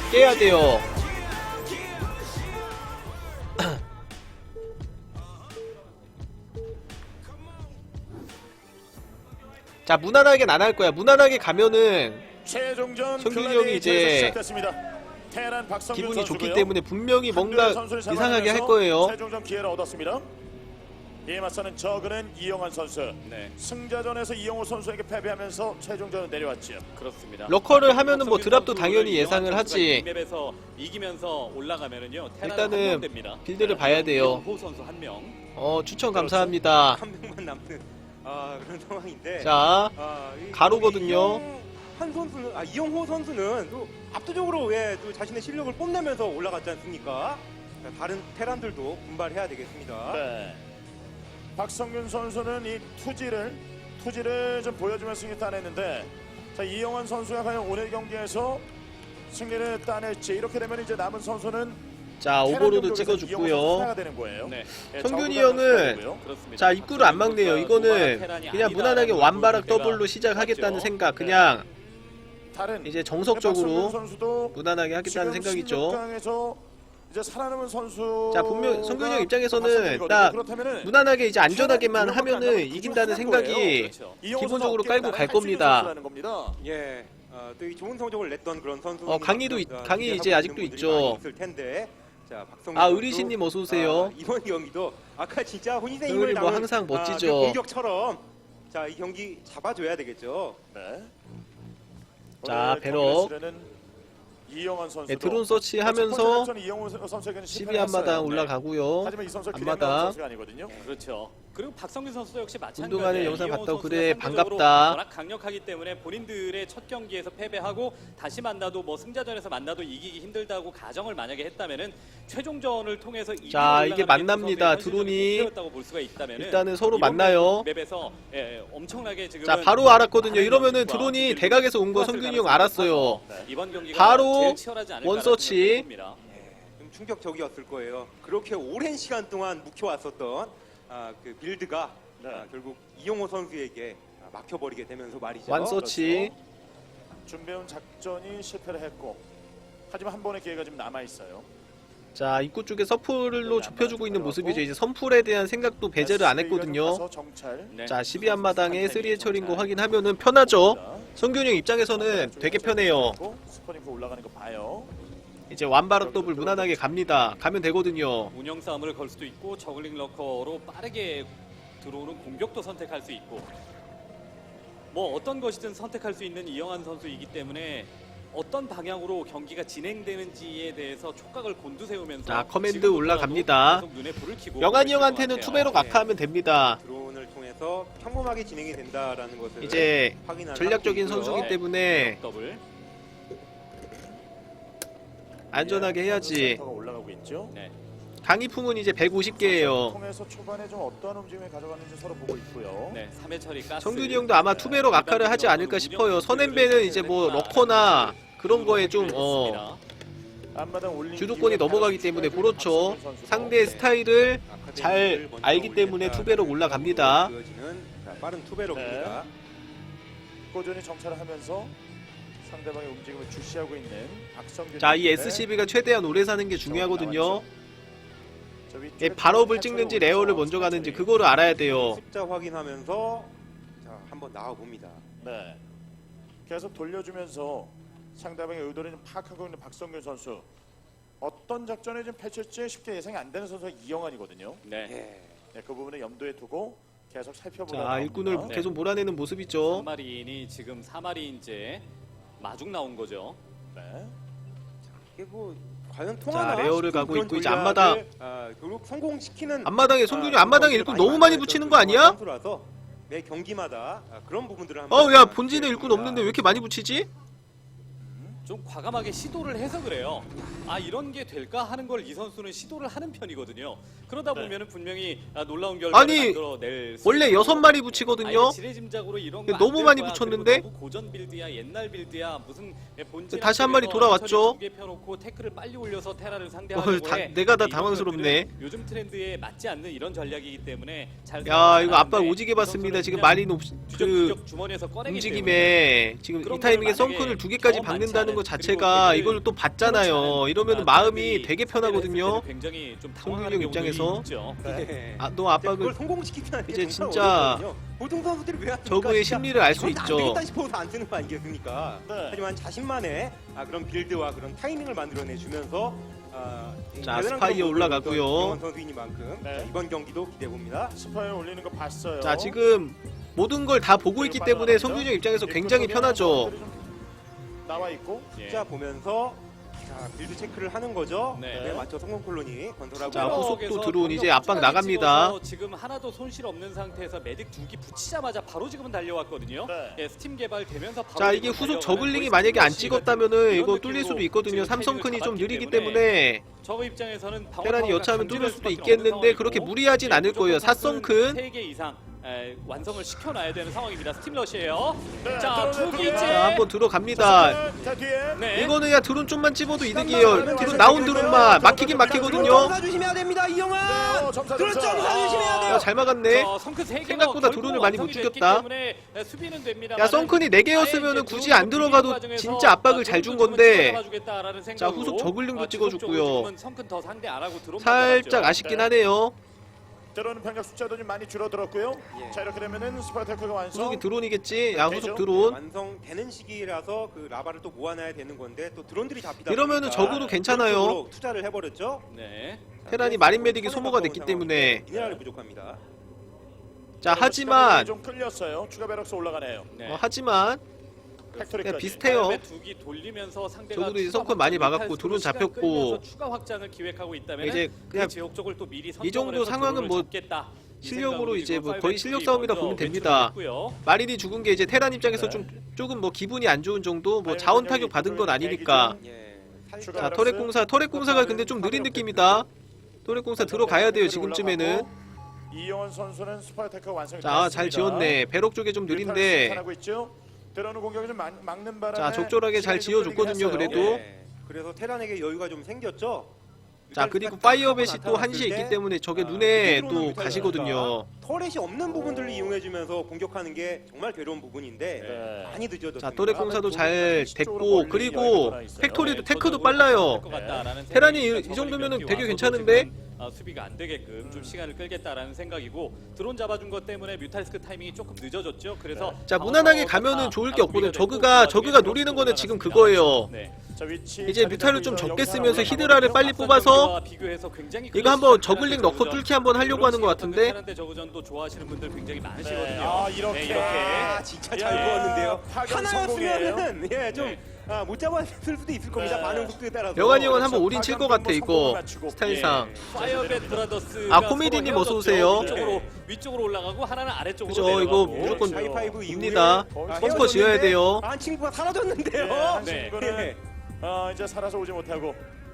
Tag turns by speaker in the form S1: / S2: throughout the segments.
S1: 깨야 돼요. 자, 무난하게는 안 할 거야. 무난하게 가면은
S2: 최종전
S1: 성균이 형이 이제
S2: 테란 박성균
S1: 기분이 좋기
S2: 선수고요.
S1: 때문에 분명히 뭔가
S2: 선수를
S1: 이상하게 할
S2: 잡아내면서
S1: 거예요.
S2: 최종전 기회를 얻었습니다. 이에 맞서는 저그는 이영환 선수.
S3: 네,
S2: 승자전에서 이영호 선수에게 패배하면서 최종전을 내려왔지요.
S3: 그렇습니다.
S1: 러커를 하면은 뭐
S3: 박성균
S1: 드랍도
S3: 선수를
S1: 당연히
S3: 이영환
S1: 예상을
S3: 선수가
S1: 하지.
S3: 이 맵에서 이기면서 올라가면은요.
S1: 일단은 빌드를 봐야 돼요.
S3: 호 선수 한 명.
S1: 추천 감사합니다.
S4: 한 명만 남는 그런 상황인데.
S1: 자,
S4: 이
S1: 가로거든요.
S4: 이영환 선수는 이영호 선수는 또 압도적으로 또 자신의 실력을 뽐내면서 올라갔지 않습니까? 자, 다른 테란들도 분발해야 되겠습니다.
S2: 네. 박성균 선수는 이 투지를 좀 보여주면서 승리 따냈는데, 자, 이영환 선수가 과연 오늘 경기에서 승리를 따낼지. 이렇게 되면 이제 남은 선수는
S1: 자, 오버로드 찍어줬고요.
S2: 되는 거예요.
S3: 네,
S2: 예,
S1: 성균이
S2: 저그가
S1: 형은
S2: 선수고요.
S3: 그렇습니다.
S1: 자, 입구를 안 막네요. 이거는 그냥 무난하게 완바락 더블로 시작하겠다는 생각. 그냥
S2: 다른
S1: 이제
S2: 박성균
S1: 정석적으로
S2: 선수도
S1: 무난하게 하겠다는 생각이죠.
S2: 16강에서 이제 살아남은 선수.
S1: 자, 분명 성균이 형 입장에서는 딱
S2: 그렇다면은
S1: 무난하게 이제 안전하게만
S2: 테란이
S1: 하면은
S2: 그렇게
S1: 이긴다는
S2: 한 거예요.
S1: 생각이
S3: 그렇죠.
S2: 이영호
S1: 기본적으로
S2: 선수가
S1: 깔고
S2: 어깨에
S1: 갈
S2: 나를
S1: 겁니다.
S2: 할수 있는 선수라는 겁니다.
S4: 예, 또 이 좋은 성적을 냈던 그런 선수.
S1: 강의도 이제 아직도 있죠.
S4: 있을 텐데. 자, 박성균
S1: 아,
S4: 선수,
S1: 의리신님 어서 오세요.
S4: 이번 경기도 아까 진짜 혼신의 힘을
S1: 의리 뭐
S4: 담은
S1: 항상 멋지죠.
S4: 그 공격처럼 자, 이 경기 잡아줘야 되겠죠.
S2: 네.
S1: 자,
S2: 오늘
S1: 배럭.
S2: 경기 실에는 이영환 선수.
S1: 네, 드론 서치하면서 12 앞마당
S2: 네.
S1: 올라가고요.
S2: 하지만 이 선수
S1: 앞마당.
S2: 선수가 아니거든요.
S3: 그렇죠. 그리고 박성균 선수도 역시 마찬가지예요.
S1: 운동하는 영상
S3: 이영호
S1: 봤다고
S3: 선수가
S1: 그래,
S3: 상대적으로
S1: 반갑다.
S3: 워낙 강력하기 때문에 본인들의 첫 경기에서 패배하고 다시 만나도 뭐 승자전에서 만나도 이기기 힘들다고 가정을 만약에 했다면은 최종전을 통해서
S1: 자, 이게 만납니다. 드론이
S3: 볼 수가 있다면은
S1: 일단은 서로
S3: 이번
S1: 만나요.
S3: 맵에서 엄청나게 지금
S1: 자, 바로 알았거든요. 이러면은 드론이 대각에서 온 거 성균이 형 알았어요.
S3: 이번 경기가
S1: 바로
S3: 제일 치열하지 않을까라는
S1: 원서치.
S3: 생각이 듭니다.
S4: 좀 충격적이었을 거예요. 그렇게 오랜 시간 동안 묵혀왔었던 그 빌드가
S2: 네.
S4: 결국 이영호 선수에게 막혀버리게 되면서 말이죠.
S1: 완서치.
S2: 준비해온 작전이 실패를 했고, 하지만 한 번의 기회가 지금 남아 있어요.
S1: 자, 입구 쪽에 서플로 좁혀주고 있는 모습이죠. 이제 선풀에 대한 생각도 배제를 안 했거든요.
S3: 네.
S1: 자, 12 앞마당에 3의 처리인 거 확인하면은 편하죠. 성균이 형 입장에서는 되게 편해요.
S2: 스포닝크 올라가는 거 봐요.
S1: 이제 완바락 더블 무난하게 갑니다. 가면 되거든요.
S3: 운영 싸움을 걸 수도 있고 저글링 러커로 빠르게 들어오는 공격도 선택할 수 있고 뭐 어떤 것이든 선택할 수 있는 이영환 선수이기 때문에 어떤 방향으로 경기가 진행되는지에 대해서 촉각을 곤두세우면서
S1: 자, 커맨드
S3: 지금부터라도
S1: 올라갑니다.
S3: 계속 눈에 불을 켜고
S1: 영환이
S3: 있을 것
S1: 형한테는
S3: 같아요.
S1: 투배로 각하하면 됩니다.
S4: 드론을 통해서 평범하게 진행이 된다라는 것을
S1: 이제
S4: 확인을
S1: 전략적인
S4: 하고 있고요.
S1: 선수기 때문에
S3: 더블.
S1: 안전하게 해야지.
S2: 센터가 올라가고 있죠.
S3: 네.
S1: 강희풍은 이제 150개예요.
S2: 통해서 초반에 좀 어떤 움직임을 가져갔는지 서로 보고 있고요.
S3: 네, 3회 처리 가스.
S1: 성균이 형도 아마 투배로 각하를 하지 않을까 싶어요. 선앤배는 이제 뭐 러커나 그런 거에 좀
S2: 앞마당 올린
S1: 주도권이
S2: 이후에
S1: 넘어가기
S2: 바로
S1: 때문에
S2: 추가해주는
S1: 그렇죠.
S2: 박성균 선수도.
S1: 상대의
S2: 네.
S1: 스타일을 잘
S4: 아카데미를 먼저
S1: 알기 때문에
S4: 올리겠다.
S1: 투배로 올라갑니다.
S4: 보여지는 빠른 투배로 봅니다.
S2: 꾸준히 정찰을 하면서 상대방의 움직임을 주시하고 있는 박성균.
S1: 자, 이
S2: 선수인데
S1: SCB가 최대한 오래 사는 게 중요하거든요.
S2: 저 위쪽에
S1: 예, 발업을
S2: 좀
S1: 찍는지
S2: 해처리
S1: 레어를
S2: 올라와서
S1: 먼저 가는지
S2: 천천히.
S1: 그거를 알아야 돼요.
S4: 숫자 확인하면서 자, 한번 나와 봅니다.
S2: 네. 계속 돌려주면서 상대방의 의도를 좀 파악하고 있는 박성균 선수. 어떤 작전을 좀 펼칠지 쉽게 예상이 안 되는 선수가 이영환이거든요.
S3: 네.
S4: 예.
S2: 네, 그 부분을 염두에 두고 계속 살펴보다.
S1: 자, 일꾼을
S3: 네.
S1: 계속 몰아내는 모습이죠.
S3: 3마리인이 지금 4마리인제 마중 나온 거죠.
S2: 네.
S4: 이게 뭐 과연 통하나?
S1: 레어를
S4: 싶은
S1: 가고
S4: 그런
S1: 있고 이제
S4: 전략을,
S1: 앞마당.
S4: 결국 성공시키는
S1: 앞마당에 성균이 앞마당에 일꾼 너무 많이 붙이는 거 아니야?
S4: 선수라서 매 경기마다 그런 부분들을 한번
S1: 야, 본진에 일꾼 없는데 왜 이렇게 많이 붙이지?
S3: 좀 과감하게 시도를 해서 그래요. 아, 이런 게 될까 하는 걸 이 선수는 시도를 하는 편이거든요. 그러다
S2: 네.
S3: 보면은 분명히 놀라운 결과를
S1: 아니,
S3: 만들어낼 수
S1: 원래
S3: 있고.
S1: 6마리 붙이거든요.
S3: 지레짐작으로 이런
S1: 근데
S3: 거
S1: 너무
S3: 안
S1: 많이
S3: 될 거야.
S1: 붙였는데?
S3: 그리고 너무 고전 빌드야, 옛날 빌드야, 무슨 본진
S1: 다시 한 마리
S3: 앞쪽에서
S1: 돌아왔죠?
S3: 두개 펴놓고 태클을 빨리 올려서 테라를 상대하려고 해.
S1: 내가 다
S3: 이런
S1: 당황스럽네.
S3: 것들은 요즘 트렌드에 맞지 않는 이런 전략이기 때문에 잘
S1: 야, 이거 아빠
S3: 하는데
S1: 오지게
S3: 이
S1: 봤습니다.
S3: 선수는
S1: 지금
S3: 그냥
S1: 마린 그
S3: 뒤적뒤적 주머니에서 꺼내기 때문에
S1: 움직임에 지금
S3: 그런
S1: 이 타이밍에
S3: 거를 만약에
S1: 선큰을 2개까지
S3: 경험 많지
S1: 박는다는 거 자체가 이걸 또 봤잖아요. 이러면 마음이 되게 편하거든요.
S3: 굉장히 좀
S1: 송균영
S3: 당황하는
S1: 입장에서.
S3: 경우도 있죠.
S4: 네.
S1: 아, 너
S4: 그걸
S1: 압박을
S4: 성공시키는 게
S1: 이제
S4: 정말
S1: 진짜
S4: 어렵거든요. 보통 선수들이 왜 합니까?
S1: 저그의
S4: 진짜
S1: 심리를 알 수
S4: 이건 안
S1: 있죠.
S4: 되겠다 싶어서 안 쓰는 거 아니겠습니까?
S2: 네.
S4: 하지만 자신만의 그런 빌드와 그런 타이밍을 만들어내주면서
S1: 자, 스파이어 올라가고요.
S4: 이영환 선수이니만큼
S2: 네.
S4: 이번 경기도 기대해 봅니다.
S2: 스파이어 올리는 거 봤어요.
S1: 자, 지금 모든 걸 다 보고 있기 때문에 성균형 입장에서 굉장히 편하죠.
S2: 나와 있고.
S3: 예.
S4: 자 보면서 자 빌드 체크를 하는 거죠.
S3: 네.
S4: 네, 맞죠. 성공 콜로니 건설하고.
S1: 자, 후속도
S3: 트럭에서
S1: 드론 이제
S3: 병력
S1: 압박
S3: 숫자를
S1: 나갑니다.
S3: 찍어서 지금 하나도 손실 없는 상태에서 메딕 2기 붙이자마자 바로 지금은 달려왔거든요.
S2: 네.
S3: 예, 스팀 개발되면서 바로
S1: 자, 이게 후속 저글링이 만약에 안 찍었다면은 이거 뚫릴 수도 있거든요. 삼성큰이 좀 느리기 때문에
S3: 저거 입장에서는
S1: 테란이 여차하면 뚫을 수도 있겠는데 그렇게 무리하진 않을 거예요. 사성큰
S3: 3개 이상 완성을 시켜놔야 되는 상황입니다. 스팀러시에요.
S2: 네,
S3: 자,
S2: 들어오네요.
S3: 2기째.
S1: 자, 한번 들어갑니다.
S2: 자, 뒤에.
S3: 네.
S1: 이거는 그냥 드론 좀만 집어도 이득이에요. 드론 나온 드론만 막히긴 막히거든요.
S4: 점사 조심해야 됩니다.
S2: 네,
S4: 이영환.
S2: 점사,
S4: 드론
S2: 점사.
S4: 점사 조심해야 돼요.
S1: 야, 잘 막았네.
S3: 성큰 3개가
S1: 생각보다 드론을 많이 못 죽였다.
S3: 수비는 됩니다.
S1: 야, 성큰이 4개였으면은 굳이 안 들어가도 진짜 압박을 잘 준 건데. 자, 후속 저글링도 찍어줬고요.
S3: 성큰 더 상대 안 하고 드론
S1: 살짝 아쉽긴 하네요.
S2: 들어오는 병력 숫자도 좀 많이 줄어들었고요.
S4: 예.
S2: 자, 이렇게 되면은 스파이테크가 완성.
S1: 후속이 드론이겠지. 야, 후속
S2: 되죠?
S1: 드론.
S4: 완성되는 시기라서 그 라바를 또 모아놔야 되는 건데 또 드론들이 잡히다.
S1: 이러면은
S4: 보니까
S1: 적어도 괜찮아요.
S4: 그쪽으로 투자를 해버렸죠.
S3: 네.
S1: 테란이 마린 메딕이 소모가 됐기 때문에.
S4: 미네랄이 부족합니다.
S1: 자, 하지만
S2: 좀 끌렸어요. 추가 배럭스 올라가네요.
S3: 네.
S1: 하지만
S2: 팩토리까지.
S1: 그냥 비슷해요.
S3: 다음에 두기 돌리면서 상대가
S1: 적어도 이제
S3: 추가
S1: 성큰 많이
S3: 확장을
S1: 막았고
S3: 탈수록
S1: 드론
S3: 시간
S1: 잡혔고.
S3: 끌면서 추가 확장을 기획하고 있다면
S1: 이제 그냥
S3: 지역 쪽을 또 미리
S1: 이 정도 상황은 뭐 실력으로 이제 뭐 거의 실력 싸움이라 보면 됩니다.
S3: 요
S1: 마린이 죽은 게 이제 테란 입장에서
S2: 네.
S1: 조금 뭐 기분이 안 좋은 정도, 뭐 자원 타격 받은 건 아니니까.
S4: 예.
S2: 추가
S1: 자, 터렛 공사가 근데 좀 느린 느낌이다. 터렛 공사 들어가야 돼요 지금쯤에는.
S2: 이영원 선수는 스파이테크 완성이
S1: 자, 잘 지었네. 배럭 쪽에 좀 느린데.
S2: 하고 있죠. 들어오는 공격을 좀 막는 바람에
S1: 자, 적절하게 잘
S2: 시간이 좀
S1: 지어줬거든요,
S2: 끌리긴
S1: 그래도.
S2: 했어요.
S4: 예. 그래서 테란에게 여유가 좀 생겼죠.
S1: 자, 그리고 파이어벳이 또 한시에 있기 때문에 저게 눈에 또 가시거든요.
S4: 터렛이 없는 부분들을 이용해주면서 공격하는 게 정말 괴로운 부분인데
S2: 네.
S4: 많이 늦어졌습니다.
S1: 자, 터렛 공사도 잘 됐고, 그리고 팩토리도 테크도 빨라요. 테란이 이 정도면은 되게 괜찮은데?
S3: 수비가 안 되게끔 좀 시간을 끌겠다라는 생각이고 드론 잡아준 것 때문에 뮤탈리스크 타이밍이 조금 늦어졌죠. 그래서
S1: 자, 무난하게 가면은 좋을 게 없거든요. 저그가 노리는 거는 지금 그거예요.
S3: 네.
S2: 자, 위치
S1: 이제 뮤탈을 좀 적게 쓰면서
S2: 여기서
S1: 히드라를 빨리 뽑아서
S3: 비교해서 굉장히
S1: 이거 한번 저글링 넣고 뚫기 한번 하려고 하는 것 같은데.
S3: 테란대 저그전도 좋아하시는 분들 굉장히
S2: 네.
S3: 많으시거든요.
S2: 아, 이렇게.
S4: 아, 진짜 잘
S2: 야,
S4: 구웠는데요.
S2: 파견 성공이에요.
S4: 하나였으면은 예, 좀
S3: 네.
S4: 못 잡았을 수도 있을 겁니다.
S2: 네.
S4: 반응 속도에 따라서.
S1: 명환이 형은 한번 올인 칠 것 같아 이거 스타일상.
S3: 파이어벳 브라더스.
S1: 아, 코미디님 어서 오세요.
S3: 위쪽으로 올라가고 하나는 아래쪽으로
S1: 그죠,
S3: 내려가고.
S1: 이거 무조건
S4: 하이파이브
S1: 입니다.
S4: 이후에
S1: 벙커 지어야 돼요.
S4: 한 친구가 사라졌는데요.
S2: 한
S3: 네.
S2: 친구는 이제 살아서 오지 못하고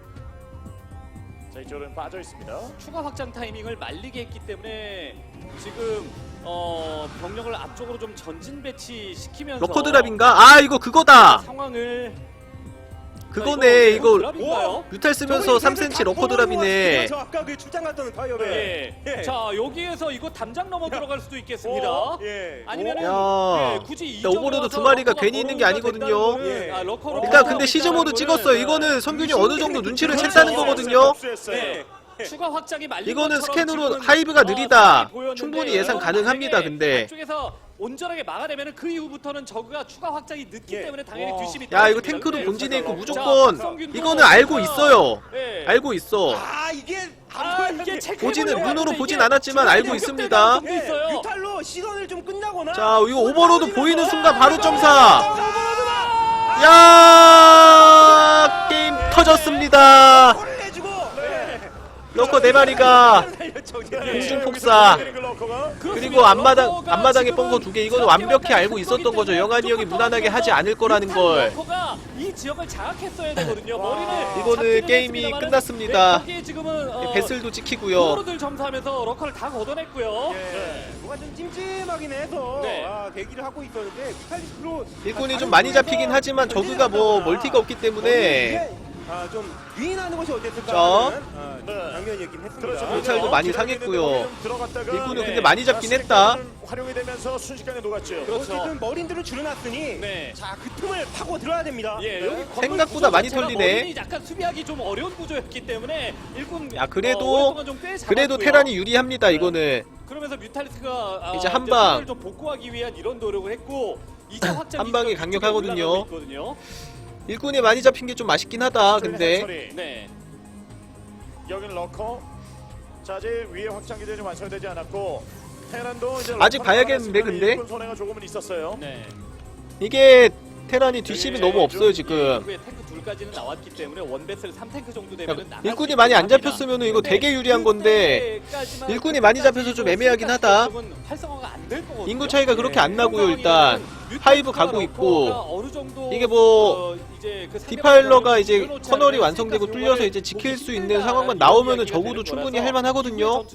S2: 자, 이쪽은 빠져 있습니다.
S3: 추가 확장 타이밍을 말리게 했기 때문에 지금 병력을 앞쪽으로 좀 전진 배치 시키면서
S1: 러커드랍인가? 아, 이거 그거다.
S3: 상황을
S1: 그거네. 이거
S3: 드랍인가요?
S1: 뮤탈 쓰면서 3cm 러커드랍이네.
S4: 저 아까 그 출장 갔던 파이어벳.
S3: 예.
S4: 예.
S3: 자, 여기에서 이거 담장 넘어 들어갈 수도 있겠습니다.
S4: 예.
S3: 아니면은
S1: 야.
S3: 굳이 이
S1: 오버로드 두 마리가 괜히 있는 게 아니거든요. 일단 근데 시즈모드 찍었어요. 이거는 성균이 어느 정도 눈치를 챘다는 거거든요.
S3: 네. 추가 확장이 말린
S1: 이거는
S3: 것처럼
S1: 스캔으로
S3: 지금은,
S1: 하이브가 느리다.
S3: 보였는데
S1: 충분히 예상 가능합니다. 근데
S3: 안쪽에서 온전하게 막아내면 그 이후부터는 저그가 추가 확장이 늦기
S4: 예.
S3: 때문에 당연히
S2: 와.
S3: 뒷심이
S1: 야, 이거
S3: 떨어집니다.
S1: 탱크도
S3: 근데
S1: 본진에 있고
S3: 자,
S1: 무조건
S3: 박성균도
S1: 이거는 알고 있어요.
S3: 네.
S1: 알고 있어.
S4: 아, 이게
S3: 이게 체크해보려고
S1: 보지는 눈으로
S3: 하는데
S1: 보진
S3: 이게
S1: 않았지만 알고 있습니다.
S3: 예. 있어요.
S4: 뮤탈로 시선을 좀 끝나거나.
S1: 자, 이거 오버로드 보이는 순간 바로 점사.
S4: 오버로드가
S1: 야, 게임 터졌습니다.
S4: 골을 내주고.
S1: 러커 4마리가
S4: 살렸죠,
S1: 공중 폭사. 그리고 앞마당에 벙커 2개. 이거는 완벽히 알고 있었던 거죠. 영환이 형이 무난하게 하지 않을 거라는 걸.
S3: 러커가 이 지역을 장악했어야 되거든요. 머리를
S1: 이거는
S3: 잡기는
S1: 게임이
S3: 했습니다만은
S1: 끝났습니다.
S3: 거기에 지금은
S1: 배슬도 찍히고요.
S3: 오버로드를 점사하면서 러커를 다 걷어냈고요.
S4: 뭔가 좀 찜찜하긴 해서
S3: 네.
S4: 대기를 하고 있었는데 뮤탈리스크로
S1: 일꾼이 좀 많이 잡히긴 하지만 저그가 뭐 멀티가 없기 때문에
S4: 좀 유인하는 것이 어땠을까
S1: 자.
S4: 하는
S2: 네.
S4: 장면이었긴 했습니다.
S2: 그렇죠.
S1: 정찰도 많이 상했고요.
S2: 들어갔다가
S1: 일꾼은
S3: 네.
S1: 근데 많이 잡긴 했다.
S2: 활용이 되면서 순식간에 녹았죠.
S3: 그렇죠.
S4: 어쨌든 머린들을 줄여놨으니
S3: 네.
S4: 자, 그 틈을 파고 들어야 됩니다.
S3: 예, 여기 건물
S1: 생각보다 많이
S3: 구조 자체가
S1: 털리네.
S3: 머린이 약간 수비하기 좀 어려운 구조였기 때문에 일꾼
S1: 야, 그래도
S3: 오랫동안 좀꽤
S1: 그래도
S3: 잡았고요.
S1: 테란이 유리합니다. 이거는
S3: 그러면서 뮤탈리스크가
S1: 이제 한 방.
S3: 을 좀 복구하기 위한 이런 노력을 했고 이제 확장
S1: 한 방이
S3: 기지가
S1: 강력하거든요.
S3: 올라가고 있거든요.
S1: 일꾼이 많이 잡힌 게 좀 맛있긴 하다. 근데
S3: 네.
S2: 여기는 러커. 자, 이제 위에 확장 기제 좀 완성되지 않았고 테란도 이제
S1: 아직
S2: 러커를
S1: 봐야겠는데,
S2: 받았으면
S1: 근데?
S2: 일꾼 손해가 조금은 있었어요.
S3: 네.
S1: 이게 테란이 뒷심이 너무 없어요
S3: 예,
S1: 지금.
S3: 이후에 탱크 둘까지는 나왔기 때문에 원베슬 3탱크 정도 되면
S1: 야, 일꾼이 많이 안 잡혔으면은 이거 되게 유리한 건데 일꾼이 많이 잡혀서 좀 애매하긴 하다. 인구 차이가 그렇게 안 나고요. 일단 하이브 가고 있고 이게 뭐 디파일러가 이제 커널이 완성되고 뚫려서 이제 지킬 수 있는 상황만 나오면은 적어도 충분히 할만하거든요.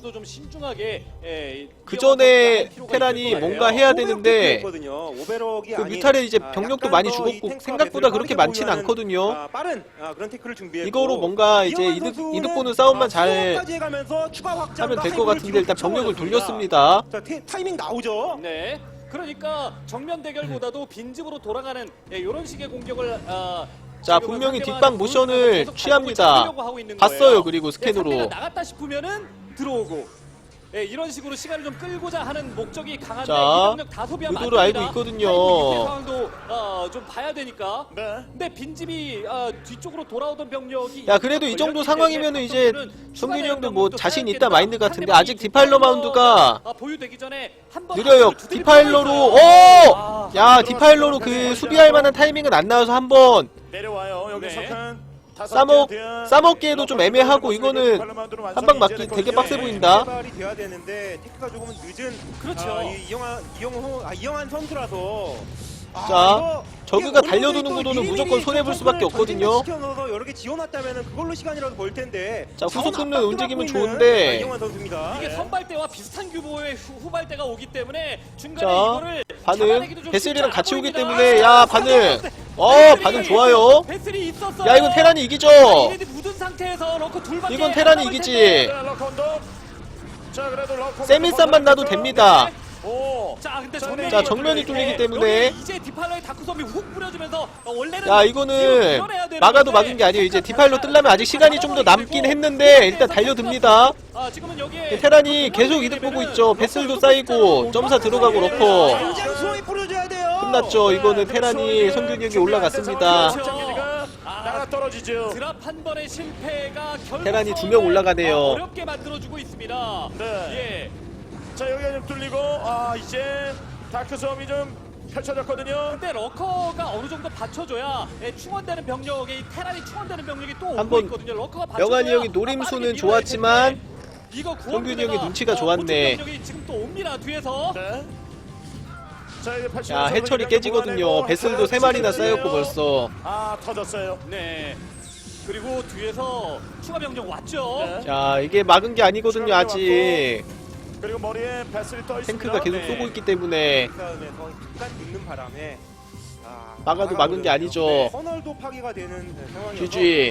S1: 그 전에 테란이 뭔가 해야 되는데 그 뮤탈에 이제 병력도 많이 죽었고 생각보다 그렇게 많지는 않거든요.
S4: 빠른 그런 태클을 준비했고
S1: 이거로 뭔가 이제 이득 보는 싸움만 잘 하면 될 것 같은데 일단 병력을 돌렸습니다.
S4: 자, 타이밍 나오죠.
S3: 네. 그러니까 정면 대결보다도 빈집으로 돌아가는 이런 식의 공격을
S1: 자, 분명히 뒷방 모션을 취합니다. 봤어요. 그리고 스캔으로.
S3: 상대가 나갔다 싶으면은 들어오고. 예, 이런 식으로 시간을 좀 끌고자 하는 목적이 강한데
S1: 자,
S3: 이 병력 다 소비하면 안
S1: 의도를 알고
S3: 됩니다.
S1: 있거든요.
S3: 타이밍 상황도 좀 봐야 되니까.
S2: 네.
S3: 근데 빈집이 뒤쪽으로 돌아오던 병력이
S1: 야, 그래도 이 정도 상황이면은 이제 성균이 형도 뭐 자신
S3: 상대방이
S1: 있다 마인드 같은데
S3: 상대방이
S1: 아직 디파일러 마운드가
S3: 보유되기 전에 한번
S1: 느려요.
S3: 두드리고
S1: 디파일러로
S3: 있어요.
S1: 야, 디파일러로 그 수비할 만한 타이밍은 안 나와서 한번
S2: 내려와요. 여기
S3: 네.
S2: 석한
S1: 싸먹기에도 좀 애매하고 이거는 한 방 맞기 되게 빡세 보인다.
S4: 개발이 돼야 되는데 테크가 조금은 늦은
S3: 그렇죠.
S4: 이영환 선수라서
S1: 자, 저그가 달려드는 구도는 무조건 손해볼 수밖에 없거든요.
S4: 시켜넣어서 여러 개 지원했다면 그걸로 시간이라도 벌 텐데.
S1: 자, 후속 끊는
S4: 압박도
S1: 움직임은
S4: 받고 있는
S1: 좋은데
S4: 이영환 선수입니다.
S3: 이게
S2: 네.
S3: 선발대와 비슷한 규모의 후발대가 오기 때문에 중간에
S1: 자,
S3: 이거를
S1: 반응
S3: 잡아내기도 좀
S1: 베슬이랑
S3: 쉽지
S1: 같이
S3: 않아
S1: 오기
S3: 보입니다.
S1: 때문에 야, 반응 반응 좋아요.
S3: 베슬이 있었어요.
S1: 야, 이건 테란이 이기죠.
S3: 이레디 묻은 상태에서 러커 둘밖에
S1: 이건 테란이
S3: 안 남을
S1: 이기지.
S3: 텐데.
S2: 자, 그래도 러커
S1: 세밀쌈만 나도 됩니다.
S2: 오.
S3: 자, 근데
S1: 자, 정면이 뚫리기 때문에
S3: 여기 이제 디팔러의 다크섬이 훅 뿌려주면서 원래는
S1: 야, 이거는 막아도 막은 게 아니에요. 이제 디파일러 뜰려면 아직 시간이 좀 더 남긴 했는데 일단 달려듭니다.
S3: 지금은 여기에
S1: 테란이 계속 이득 보고 있죠. 배슬도 쌓이고 점사 들어가고 러커
S4: 당장 수호이 뿌려줘야 돼요.
S1: 끝났죠. 이거는 테란이 성균형이 올라갔습니다.
S2: 나가 떨어지죠.
S3: 드랍 한 번의 실패가 결국
S1: 테란이 2명 올라가네요.
S3: 어렵게 만들어주고 있습니다.
S2: 네.
S3: 예.
S2: 자, 여기가 좀 뚫리고 이제 다크섬이 좀 펼쳐졌거든요.
S3: 근데 러커가 어느 정도 받쳐줘야 충원되는 병력이 테란이 충원되는 병력이 또 오고
S1: 한번
S3: 있거든요. 러커가 받쳐줘야
S1: 명환이 형이 노림수는 좋았지만
S3: 이거
S1: 성균이 형이 눈치가 좋았네.
S3: 병력이 지금 또 옵니다 뒤에서.
S2: 네. 자, 이제
S1: 야, 해철이 깨지거든요. 배슬도 3마리나 쌓였고 벌써.
S2: 터졌어요.
S3: 네. 그리고 뒤에서 추가 병력 왔죠.
S2: 네.
S1: 자, 이게 막은 게 아니거든요. 아직
S2: 그리고 머리에 배슬이 떠 있습니다.
S1: 탱크가 계속
S3: 네.
S1: 쏘고 있기 때문에
S4: 싸움에서 약간 늦는 바람에
S1: 막아도 막은 게 아니죠.
S4: 네, 커널도 파괴가 되는 상황이어서
S1: GG.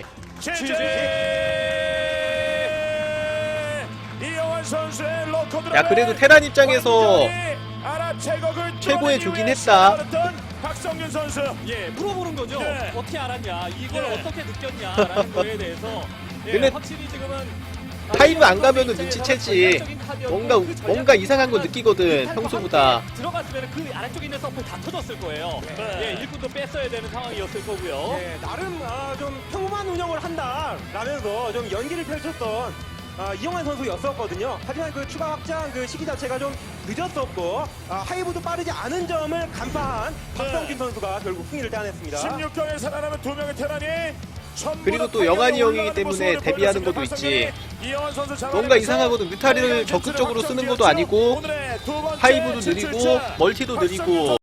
S2: 이영환 선수의 러커들.
S1: 야, 그래도 테란 입장에서 최고의 주긴 했다.
S2: 박성균 선수.
S3: 예, 물어보는 거죠.
S2: 네.
S3: 어떻게 알았냐, 이걸
S2: 네.
S3: 어떻게 느꼈냐라는 거에 대해서. 예,
S1: 근데
S3: 확실히 지금은
S1: 타이브 안 가면은 눈치채지. 뭔가 이상한 거 느끼거든, 평소보다.
S3: 들어갔으면 그 아래쪽에 있는 서플 다 터졌을 거예요.
S2: 네.
S3: 예, 일꾼도 뺐어야 되는 상황이었을 거고요.
S4: 네, 나름 좀 평범한 운영을 한다라면서 좀 연기를 펼쳤던 이영환 선수였었거든요. 하지만 그 추가 확장 그 시기 자체가 좀 늦었었고 하이브도 빠르지 않은 점을 간파한 박성균 선수가 결국 승리를 따냈습니다.
S2: 16강에 살아남은 2명의 테란이
S1: 그리고 또 영환이 형이기 때문에 데뷔하는 것도 있지. 뭔가 이상하거든. 뮤타리를 적극적으로 쓰는 것도 아니고 하이브도 느리고 멀티도 느리고